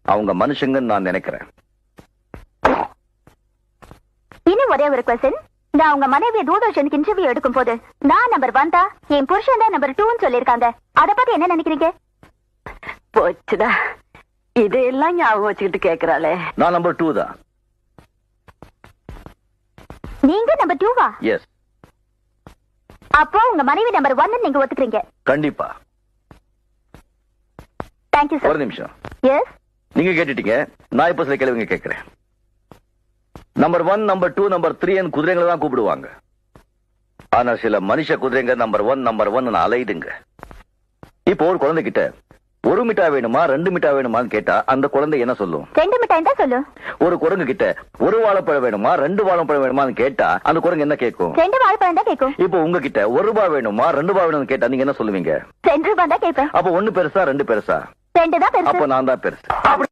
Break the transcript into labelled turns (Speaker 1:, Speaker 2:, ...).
Speaker 1: அவங்க மனுஷங்கன்னு நான் நினைக்கிறேன்.
Speaker 2: இன்னும் ஒரே ஒரு கொஸ்டின். நான் உங்க மனைவி தூர்தர்ஷனுக்கு இன்டர்வியூ எடுக்கும் போது நான் நம்பர் 1 தான், என் புருஷன் தான் நம்பர் 2 சொல்லிருக்காங்க. அத பத்தி என்ன நினைக்கிறீங்க?
Speaker 3: போச்சுடா, இதையெல்லாம் ஞாபகம் வச்சுக்கிட்டு கேக்குறாளே.
Speaker 1: நான் நம்பர் 2 தான்.
Speaker 2: நீங்க நம்பர் 2வா?
Speaker 1: எஸ்.
Speaker 2: அப்போ உங்க மனைவி நம்பர் 1 நீங்க ஒத்துக்கிறீங்க?
Speaker 1: கண்டிப்பா.
Speaker 2: Thank you sir.
Speaker 1: ஒரு நிமிஷம்.
Speaker 2: எஸ்.
Speaker 1: நீங்க கேட்டுட்டீங்க, நான் இப்ப சில கேள்விங்க கேட்கிறேன். நம்பர் 1, நம்பர் 2, நம்பர் 3 குதிரைகளை தான் கூப்பிடுவாங்க. ஆனா சில மனுஷ குதிரைங்க நம்பர் 1 நம்பர் 1 அலையுதுங்க. இப்போ ஒரு குழந்தை கிட்ட 1 மிட்டாய் வேணுமா 2 மிட்டாய் வேணுமான்னு கேட்டா அந்த குழந்தை என்ன சொல்லும்?
Speaker 2: 2 மிட்டாய் தான் சொல்லும்.
Speaker 1: ஒரு குரங்கு கிட்ட 1 வாழைப்பழம் வேணுமா 2 வாழைப்பழம் வேணுமான்னு கேட்டா அந்த குரங்கு என்ன கேட்கும்?
Speaker 2: 2 வாழைப்பழம் தான் கேட்கும்.
Speaker 1: இப்போ உங்ககிட்ட 1 ரூபாய் வேணுமா 2 ரூபாய் வேணும்னு கேட்டா நீங்க என்ன சொல்லுவீங்க?
Speaker 2: 2 ரூபாய் தான் கேட்பேன்.
Speaker 1: அப்ப 1 பெருசா 2 பெருசா?
Speaker 2: 2 தான் பெருசு.
Speaker 1: அப்ப நான் தான் பெருசு.